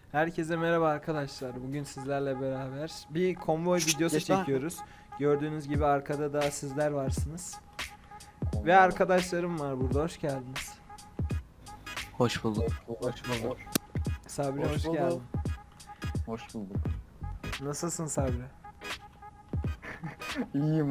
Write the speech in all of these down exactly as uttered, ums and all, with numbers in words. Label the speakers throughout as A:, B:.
A: Herkese merhaba arkadaşlar. Bugün sizlerle beraber bir konvoy videosu
B: Geç lan.
A: çekiyoruz. Gördüğünüz gibi arkada da sizler varsınız.
C: Konvoy.
A: Ve arkadaşlarım var burada. Hoş geldiniz.
B: Hoş bulduk.
C: Hoş bulduk.
A: Sabri
C: Hoş
A: hoş,
C: bulduk.
A: geldin.
C: Hoş bulduk.
A: Nasılsın Sabri?
C: İyiyim.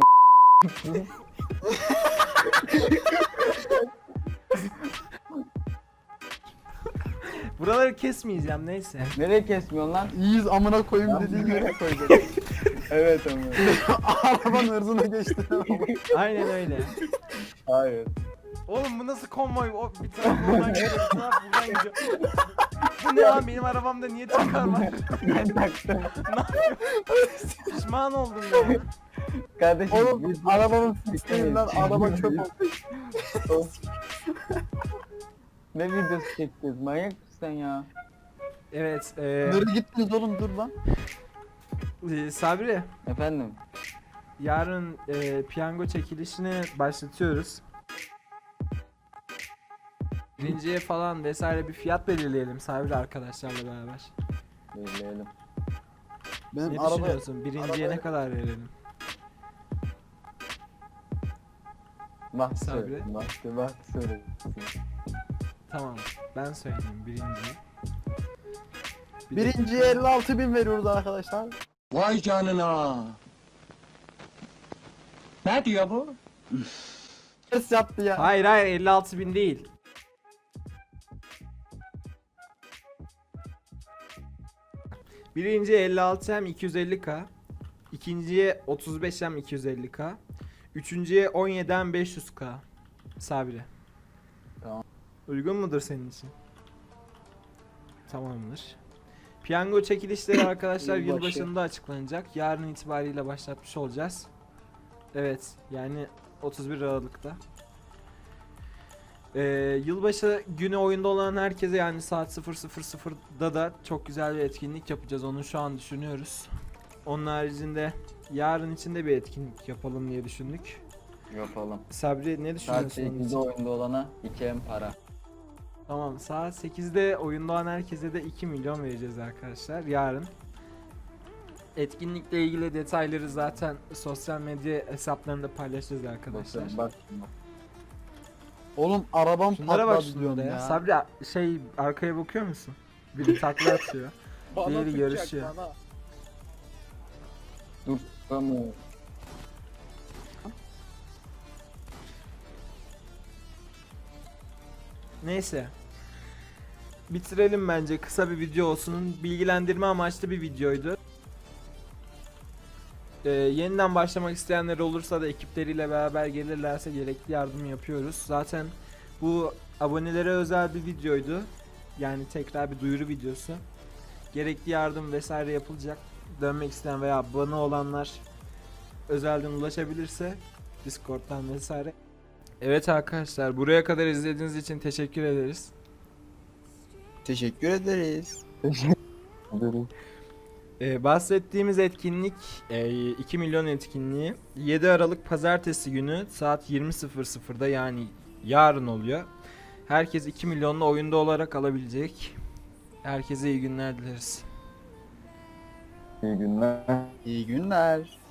A: Buraları kesmeyeceğim neyse.
C: Nereye kesmiyorsun lan?
B: İyiyiz amına koyayım
C: Lan
B: dediğin
C: nereye
B: yere.
C: koydun? Evet ama.
B: Arabanın hırzına geçti.
A: Aynen öyle.
C: Hayır.
A: Oğlum bu nasıl konvoy? O bir taraf buradan gidiyor, bir taraf buradan gidiyor. Bu ne lan, benim arabamda niye çıkar var?
C: Ben taktım.
A: Pişman oldum ya.
C: Kardeşim.
B: Oğlum
C: biz-
B: arabanın sisteminden araba çöp oldu.
C: Ne videosu çekeceğiz? Manyak mısın sen ya?
A: Evet. E,
B: Nereye gittiniz oğlum dur lan.
A: e, Sabri.
C: Efendim?
A: Yarın e, piyango çekilişini başlatıyoruz. Birinciye falan vesaire bir fiyat belirleyelim Sabri arkadaşlarla beraber.
C: Belirleyelim.
B: Benim
A: Ne
B: araba
A: düşünüyorsun? Birinciye
B: araba-
A: ne kadar verelim?
C: Bak
A: Sabri.
C: söyle. Bak bak söyle.
A: Tamam. Ben söyleyeyim birinciye. Bir de-
B: birinciye elli altı bin veriyoruz arkadaşlar.
D: Vay canına. Ne diyor bu?
B: Ters yaptı ya.
A: Hayır hayır elli altı bin değil. Birinciye elli altı hem iki yüz elli K. İkinciye otuz beş hem iki yüz elli K. Üçüncüye on yedi hem beş yüz K. Sabri.
C: Tamam.
A: Uygun mudur senin için? Tamamdır. Piyango çekilişleri arkadaşlar
C: Yılbaşı.
A: yılbaşında açıklanacak. Yarın itibariyle başlatmış olacağız. Evet, yani otuz bir Aralık'ta. Ee, yılbaşı günü oyunda olan herkese, yani saat sıfır sıfır sıfırda da çok güzel bir etkinlik yapacağız. Onu şu an düşünüyoruz. Onun haricinde yarın için de bir etkinlik yapalım diye düşündük.
C: Yapalım.
A: Sabri ne
C: Saat
A: düşünüyorsun onun
C: sekizde
A: için?
C: oyunda olana iki em para.
A: Tamam, saat sekizde oyunda olan herkese de iki milyon vereceğiz arkadaşlar yarın. Etkinlikle ilgili detayları zaten sosyal medya hesaplarında paylaşacağız arkadaşlar.
C: Bakın bak. bak.
B: Oğlum arabam
A: Şunlara bak
B: patladı
A: şunlara
B: diyorum
A: ya.
B: ya.
A: Sabri şey, arkaya bakıyor musun? Biri takla atıyor. Diğeri yarışıyor.
C: Dur. Tamam.
A: Neyse. Bitirelim bence, kısa bir video olsun. Bilgilendirme amaçlı bir videoydu. Ee, yeniden başlamak isteyenler olursa da ekipleriyle beraber gelirlerse gerekli yardım yapıyoruz. Zaten bu abonelere özel bir videoydu. Yani tekrar bir duyuru videosu. Gerekli yardım vesaire yapılacak. Dönmek isteyen veya abone olanlar özelden ulaşabilirse Discord'dan vesaire. Evet arkadaşlar, buraya kadar izlediğiniz için teşekkür ederiz.
B: Teşekkür ederiz.
C: Dur.
A: Ee, bahsettiğimiz etkinlik e, iki milyon etkinliği yedi Aralık Pazartesi günü saat yirmi sıfır sıfırda, yani yarın oluyor. Herkes iki milyonla oyunda olarak alabilecek. Herkese iyi günler dileriz.
C: İyi günler.
B: İyi günler.